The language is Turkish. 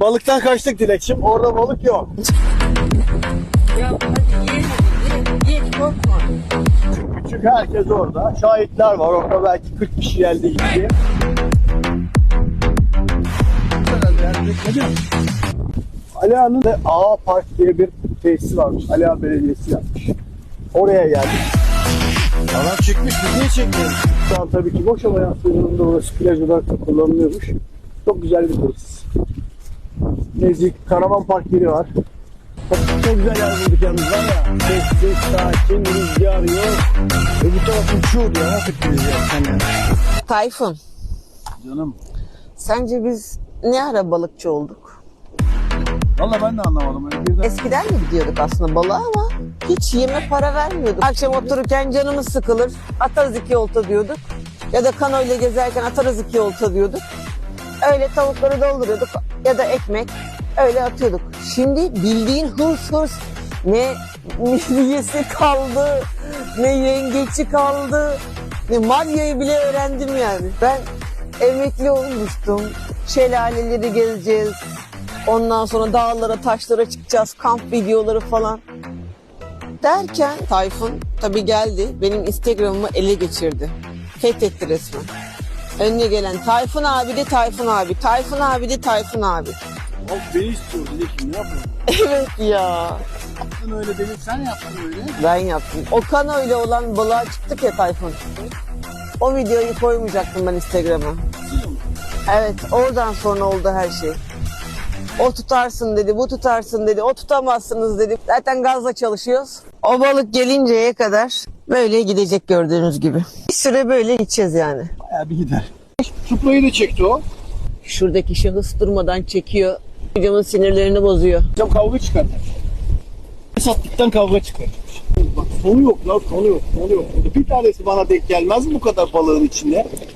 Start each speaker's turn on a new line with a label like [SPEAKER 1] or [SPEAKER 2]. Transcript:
[SPEAKER 1] Balıktan kaçtık Dilekçim. Orada balık yok.
[SPEAKER 2] Ya hadi ye, korkma.
[SPEAKER 1] Küçük herkes orada. Şahitler var. Orada belki 40 kişi geldi gitti. Ali Ağa'nın da Ağa Park diye bir tesisi varmış. Ali Ağa Belediyesi yapmış. Oraya geldik. Adam çıkmış, biz niye çekmiyoruz? Şu an tabii ki boş ama yansıdığında orası plaj olarak da kullanılıyormuş. Çok güzel bir tesis. Nezik, Karavan Park yeri var. Çok güzel yer bulduk yalnız var ya. Sessiz, sakin, rüzgar yok. Bu taraf uçuyordu ya. Nasıl rüzgar sen yani?
[SPEAKER 2] Tayfun,
[SPEAKER 1] Canım.
[SPEAKER 2] sence biz ne ara balıkçı olduk?
[SPEAKER 1] Valla ben de anlamadım. Birden...
[SPEAKER 2] Eskiden de gidiyorduk aslında balığa ama hiç yeme para vermiyorduk. Akşam otururken canımız sıkılır, atarız 2 olta diyorduk. Ya da kanoyla gezerken atarız 2 olta diyorduk. Öyle tavukları dolduruyorduk ya da ekmek öyle atıyorduk. Şimdi bildiğin hırs ne midyesi kaldı, ne yengeci kaldı, ne malyayı bile öğrendim yani. Ben emekli olmuştum, şelaleleri gezeceğiz. Ondan sonra dağlara, taşlara çıkacağız, kamp videoları falan. Derken Tayfun tabii geldi, benim Instagram'ımı ele geçirdi. Fethetti resmen. Önüne gelen Tayfun abi de Tayfun abi, Tayfun abi de Tayfun abi.
[SPEAKER 1] Bak beni istiyor Dilekçim, ne yapalım?
[SPEAKER 2] Evet ya.
[SPEAKER 1] Yaptın öyle dedik, sen yaptın öyle.
[SPEAKER 2] Ben yaptım. O kanoyla olan balığa çıktık ya Tayfun. O videoyu koymayacaktım ben Instagram'a. Evet, oradan sonra oldu her şey. O tutarsın dedi, bu tutarsın dedi, o tutamazsınız dedi. Zaten gazla çalışıyoruz. O balık gelinceye kadar böyle gidecek gördüğünüz gibi. Bir süre böyle gideceğiz yani.
[SPEAKER 1] Bayağı bir gider. Supra'yı da çekti o.
[SPEAKER 2] Şuradaki şahıs durmadan çekiyor. Hocamın sinirlerini bozuyor.
[SPEAKER 1] Hocam kavga çıkartmış. Sattıktan kavga çıkartmış. Bak sonu yok lan, sonu yok. Bir tanesi bana denk gelmez mi bu kadar balığın içinde?